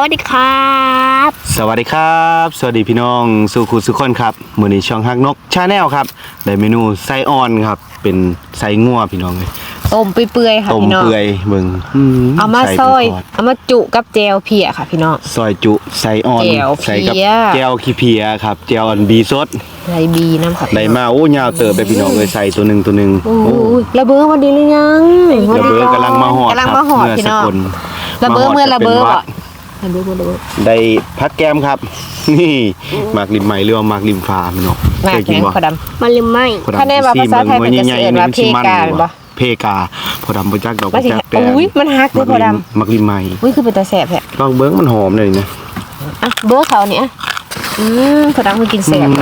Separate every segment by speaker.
Speaker 1: วัสดีครับ
Speaker 2: สวัสดีครับสวัสดีพี่น้องสุขุสุขคนครับมื้อนี้ช่องฮักนกชาแนลครับได้เมนูไส้อ่อนครับเป็นไส้งัวพี่น้องเลย
Speaker 3: ต้มเปื่อยๆค่ะ
Speaker 2: ต้ม
Speaker 3: พี่น้อง
Speaker 2: เปื่อยเบิ่ง
Speaker 3: เอามาซอยเอามาจุกับแจวเพียค่ะพี่น้อง
Speaker 2: ซอยจุไส้อ่อน
Speaker 3: แจ่วเพี้ย
Speaker 2: ใส่กับแจ่วขี้เพียครับแจ่วอ่อนบีสด
Speaker 3: ไรบีน้ำค่ะ
Speaker 2: ได้มาโอ้ยาวเติบไปพี่น้องเลยใส่ตัวหนึง
Speaker 3: โอ้ยระเบ้อวันดีหรือยัง
Speaker 2: ระเบ้อกำลังมาหอด
Speaker 3: กำลังมาหอดพี่น้องระเบ้อเมื่อระเบ้อ
Speaker 2: ได้พัดแก้มครับนี่หมากริมใหม่หรือว่าหมากริมฟ้าพี่น้อง
Speaker 3: หมากแข็งพอดำ
Speaker 1: มาลืมไหม
Speaker 3: คะแนนว่าภาษาไทยเป็นจะเสียว่าเพกาบ่
Speaker 2: เพกาพอดำบ่จักดอกบ่จักแต่
Speaker 3: อุ้ยมันฮักเลยพอดำ
Speaker 2: หมากริมใหม่
Speaker 3: อุ้ยคือเป็นตาแสบแท้
Speaker 2: ลองเบิ้งมันหอมเลยนะ
Speaker 3: อ่ะเบ้อเขาเนี่ยพอดำคือกินแสบ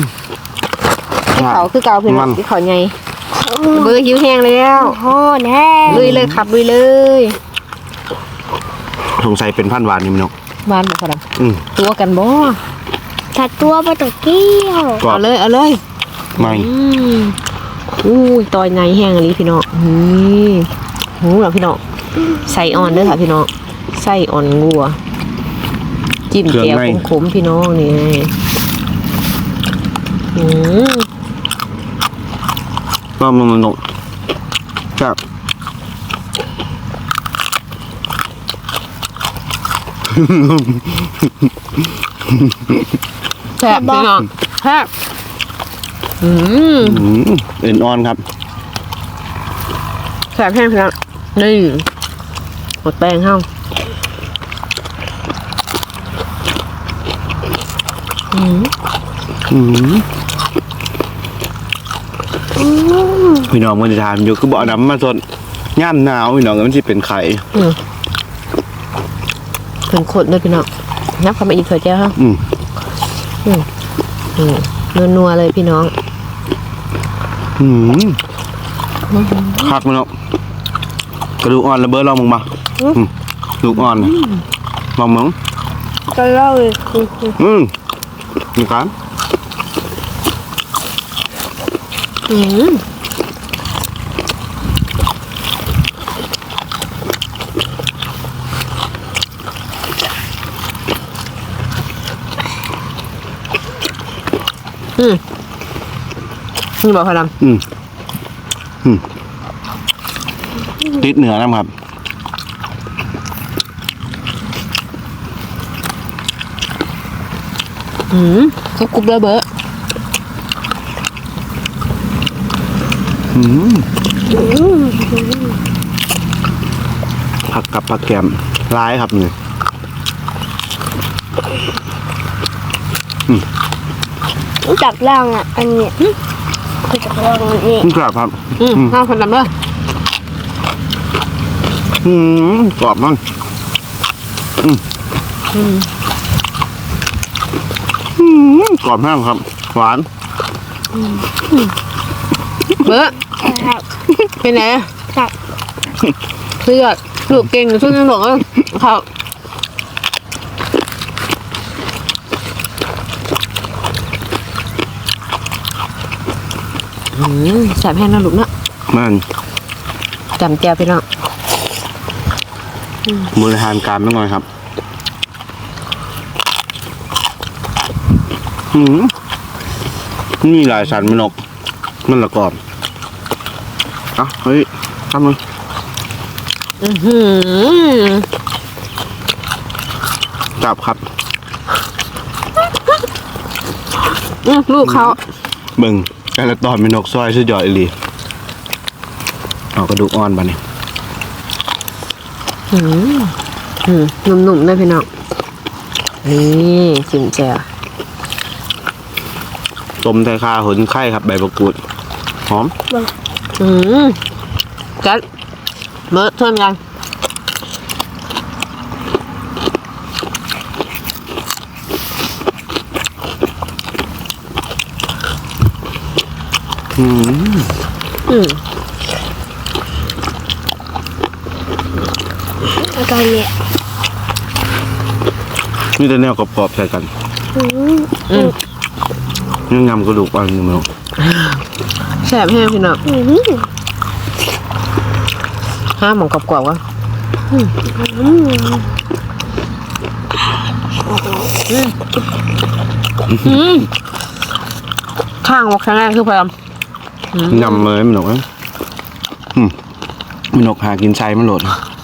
Speaker 3: เขาคือเกาพี่น้องที่เขาใหญ่เบ้อหิวแห้งแล้ว
Speaker 1: โอ้แน่
Speaker 3: ลุยเลยครับลุยเลย
Speaker 2: สงสัยเป็นพันหวานนี่มั้ง
Speaker 3: หวานบ่พอดำตัวกันบ่
Speaker 1: ถ้าตัวปลาตะเกียว
Speaker 3: เอาเลย
Speaker 2: ไม่
Speaker 3: อู้ยตอยไงแห้งอะไรพี่น้องนี่หูเหรอพี่น้องใส่อ่อนด้วยค่ะพี่น้องใส่อ่อนงัวจิ้มแก้วขมๆพี่น้องนี่
Speaker 2: ก็มันนกครับ
Speaker 3: แซ่บพี่น้องแซ่บ
Speaker 2: เอ็นอ่อนครับ
Speaker 3: แซ่บแห้งพี่น้องนี่หมดแป้งเข้า
Speaker 2: พี่น้องมันจะทานอยู่คือบ่อน้ำมาสดย่ามหนาวพี่น้องมันจะเป็นไข่
Speaker 3: เป็นขดเลยพี่น้องนับเข้ามาอีกเถอะเจ้าค่ะนัวๆเลยพี่น้อง
Speaker 2: คักมันเนาะกระดูกอ่อนระเบิดลองมึงมากระดูกอ่อนลองมึง
Speaker 1: ก็เล่าเลย
Speaker 2: นี่ครับ
Speaker 3: นี่บอกพอดำ
Speaker 2: ติดเหนือนะครับ
Speaker 3: กรุบเลยเบอร์
Speaker 2: ผักกับผักแกมร้ายครับนี่
Speaker 1: รู้จักร่างอ่ะอันนี้รู้จักร่างนี่
Speaker 2: กรอบครับ
Speaker 3: ข้าวพอดำเลย
Speaker 2: กรอบมั้งกรอบแห้งครับหวาน
Speaker 3: เบอร์เป็นไงเพื่อลูกเก่งช่วยกันหลงเขาแสบแห้งนะลูกเนาะ
Speaker 2: มัน
Speaker 3: จำแก้วไปเนาะ
Speaker 2: บริหารการไม่ง่อยครับนี่หลายสันมันออกมันละกรอบเฮ้ยทำมึงจับครับ
Speaker 3: ลูกเขา
Speaker 2: เบิ่งแต่ละตอนเป็นนกซอยสุดยอดอีหลีเอากระดูกอ่อนไปนี่
Speaker 3: นุ่มๆได้พี่น้องนี่จิ้มแจ่ว
Speaker 2: ต้มไทยคาหุ่นไข่ครับใบมะกรูดหอม
Speaker 3: กัดเมื่อทวนกัน
Speaker 1: ตอนนี้
Speaker 2: นี่แต่แนวกรอบๆใส่กันยังยำกระดูกอ่อนอยู่มั้ง
Speaker 3: แสบแห้งพี่น้องห้ามหมองกรอบๆวะข้างว่าครั้งแรกคือพยายาม
Speaker 2: ยำเลยมันหนกนะมันหนกหากินไซมันโหลด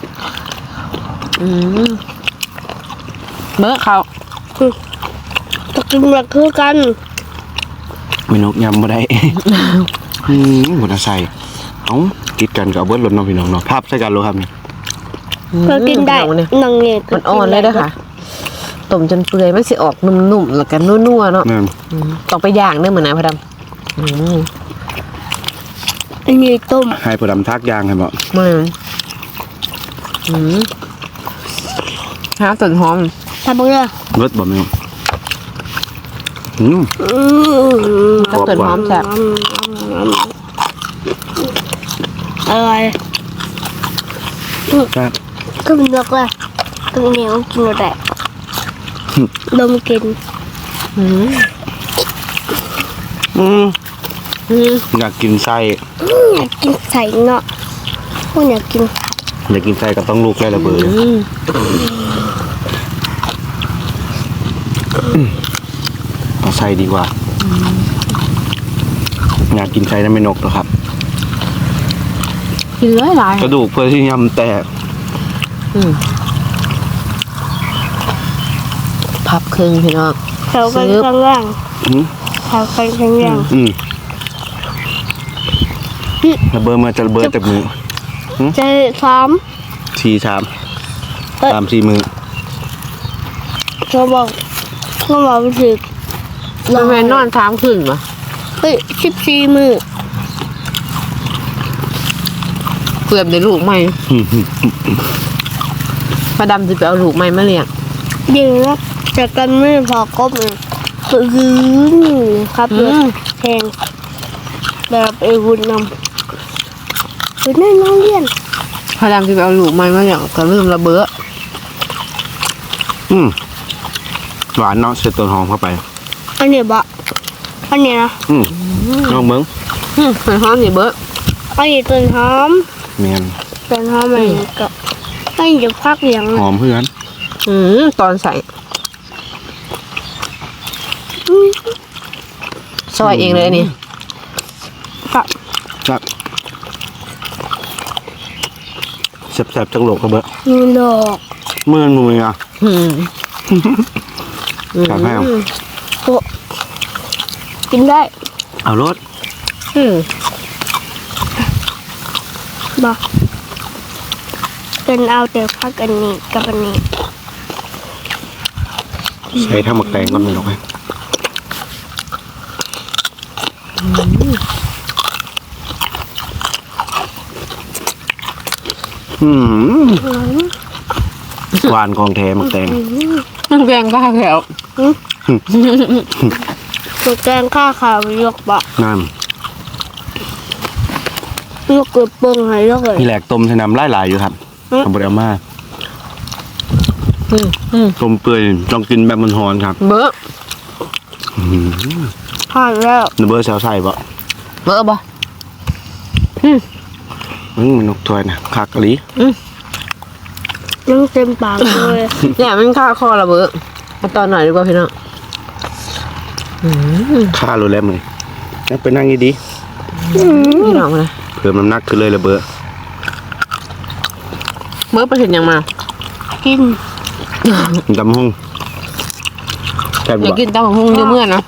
Speaker 3: เมื่อเขา
Speaker 1: ตะกินแบบคือกัน
Speaker 2: มันหนกยำมาได้ หมดใส่เอ้ากิดกันกับเบิร์ดรถน้องพี่น้องเนาะภาพใส่กันรู้ครับนี่
Speaker 1: ก็กินได้นังเงี้ย
Speaker 3: มันอ่อนเลยนะคะต้มจนเปื่อยมันสิออกนุ่มๆแล้วก็นัวๆเนาะ
Speaker 2: นั่น
Speaker 3: ต้องไปย่างเด้อเหมือนนะพะดำ
Speaker 1: อันนี้ต้ม
Speaker 2: ให้ผู้ดำทักยางให้บอก
Speaker 3: มันฮะต้นหอม
Speaker 1: ทำบ้างเลย
Speaker 2: รถบอกไม่รู้
Speaker 3: ถ้าต้นหอมแซ่บ
Speaker 1: อะไร
Speaker 2: ครับ
Speaker 1: ก็เป็นนกเลยตรงนี้ต้องกินอะไรดมกิน
Speaker 2: อยากกินไส้
Speaker 1: อยากกินใส่เนาะพวกอยากกิน
Speaker 2: อยากกินไส้ก็ต้องลูกได้ระเบิดเอาไส้ดีกว่าอยากกินไส้นั้นไม่นกหรอกครับ
Speaker 3: กินหลาย
Speaker 2: กระดูกเพื่อที่ยำแตก
Speaker 3: พับครึ่งพี่น้อง
Speaker 1: เขากันข้างล่างเขากันข้างล่าง
Speaker 2: ระเบิดมาจะระเบิดจากมือ
Speaker 1: จะซ้
Speaker 2: 4-3 3-4 มือ
Speaker 1: ำเขาบอกรู้สึก
Speaker 3: มันแม่นอน3คืนป่ะ
Speaker 1: เฮ้ย14 มือ
Speaker 3: เกือบได้ลูกใหม่พะดำจะไปเอาลูกใหม่มาเลี้ยง
Speaker 1: ยิงนะจากกันไม่พอกบเลยคือครับรถแทงแบบไอ้วุ้นนำคือนั่นน้องเรียน
Speaker 3: พะดำจะไปเอาลูกใหม่มาเลี้ยงก็ลืมระเบ้อ
Speaker 2: หวานเนาะเสร็จต้นหอมเข้าไป
Speaker 1: อันนี้บะอันนี้นะ
Speaker 2: น้องเบิ้ง
Speaker 3: ต้นหอมนี่เบ้อ
Speaker 1: อันนี้ต้นหอม
Speaker 2: เมียน
Speaker 1: ต้นหอมอะไรกับอันนี้จะพักเหลียง
Speaker 2: หอมเพื่อน
Speaker 3: ตอนใส่ซอยเองเลยนี่
Speaker 1: กับ
Speaker 2: ครับแซ่บๆจังโหลกกระเบะ
Speaker 1: นูโลก
Speaker 2: เมื่อนมืออ่ะกับแห้ง
Speaker 1: โปะกินได้
Speaker 2: เอารถ
Speaker 1: บะเป็นเอาแต่พักอันนี้กับอันนี้
Speaker 2: ใช้ทั้งหมกแตงก่อนไม่หรอกไหมหวานของแท้หมกแตง
Speaker 3: มันแกงข้าวแถว
Speaker 1: ตัวแกงข้าวขาวยกบะ
Speaker 2: นั่น
Speaker 1: ยกกระเปิงให้ยกเลย
Speaker 2: มีแหลกต้มใช้น้ำหลายๆอยู่ครับทำบริอามาต้มเปื่อยต้องกินแบบมันหอนครับ
Speaker 3: เบ้อ
Speaker 1: ผ่านแล้ว
Speaker 2: นเบอร์แซวใส่บ่
Speaker 3: เบ้อบ่
Speaker 2: มันนกถ้วยนะคักกะลี
Speaker 1: ยังเต็มปากเลย
Speaker 3: เนี่ยมันข้าวคอระเบ้อมาตอนหน่อยดีกว่าพี่น้อง
Speaker 2: ค่ารู้แล้วมึงนั่งไปนั่งดี
Speaker 3: พี่น้องนะ
Speaker 2: ๆเพิ่มน้ำหนักขึ้นเลยระเบ้อ
Speaker 3: เบ้อไปเห็นยังมา
Speaker 1: กิน
Speaker 2: ดำห้องแค่บ
Speaker 3: อยาก
Speaker 2: อก
Speaker 3: กินตำบักหุ่งเมื่อนะ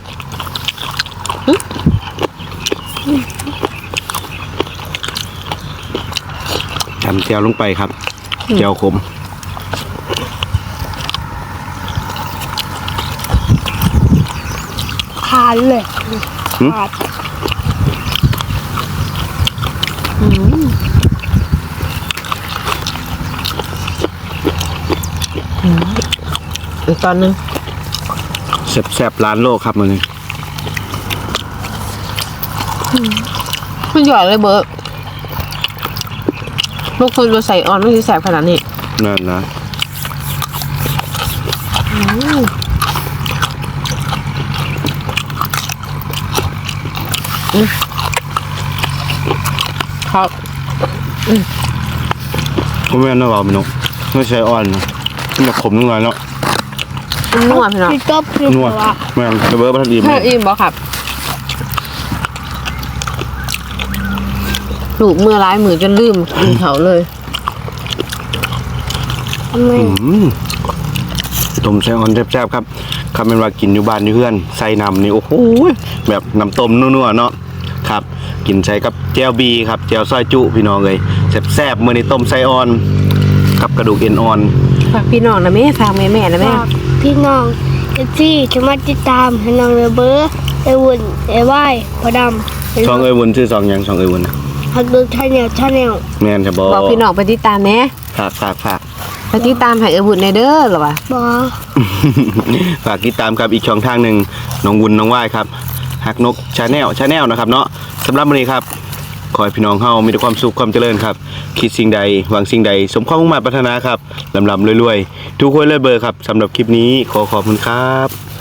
Speaker 2: ทำเจียวลงไปครับเจียวขม
Speaker 1: ขาดเลยขาด
Speaker 3: อีกตอนนึง
Speaker 2: แซ่บๆร้านโลกครับมึง
Speaker 3: มันหยอดเลยเบ้อลูกคนตัวใส่ออนไม่ใช่แสบขนาดนี้
Speaker 2: นั่นนะ
Speaker 3: ครับ
Speaker 2: ก็ไม่น่าเบาไปนกไม่ใช่อ่อนนะมันจะขมนิดหน่อยเนาะ
Speaker 3: มันนัวพี่น้อง
Speaker 1: พี่ก๊อฟพี่
Speaker 2: นัว
Speaker 1: ว่า
Speaker 2: แม่งเบอร์พันดี
Speaker 3: เฮ้ยอิ่มบ่ครับลูกเมื่อร้ายมือจนลืมกินเขาเลย
Speaker 1: ทำไม
Speaker 2: ต้มไส้อ่อนแซ่บๆครับคำเป็นว่ากินอยู่บ้านอยู่เพื่อนใส่น้ำนี่โอ้โหแบบน้ำต้มนัวๆเนาะครับกินใส่กับแจ่วบีครับแจ่วซอยจุพี่น้องเลยแซ่บๆมื้อนี้ต้มไส้อ่อนกับกระดูกเอ็นอ่อน
Speaker 3: ฝากพี่น้องนะแม่ฝากแม่ๆนะแม่
Speaker 1: ฝากพี่น้องที่จะมาติดตามให้น้องเบอร์ไอวุ่นไอว่ายพอดำ
Speaker 2: ช่องเอ้ยวุ้นชื่อช่องหยังช่องเอ้ยวุ้นนะ
Speaker 1: ฮักดูชาแนล
Speaker 2: แม่นใช่บ่
Speaker 3: บอกพี่น้องไปติดตามแหน่
Speaker 2: ฝาก
Speaker 3: ไปติดตามให้เออบุญในเด้อหรอวะ
Speaker 1: บอ
Speaker 2: ฝากติดตามครับอีกช่องทางหนึ่งน้องวุ้นน้องว่ายครับฮักนกชาแนลนะครับเนาะสำหรับวันนี้ครับขอให้พี่น้องเฮามีแต่ความสุขความเจริญครับคิดสิ่งใดหวังสิ่งใดสมความมุ่งมั่นปรารถนาครับลำรวยๆทุกคนเลยเบอร์ครับสำหรับคลิปนี้ขอขอบคุณครับ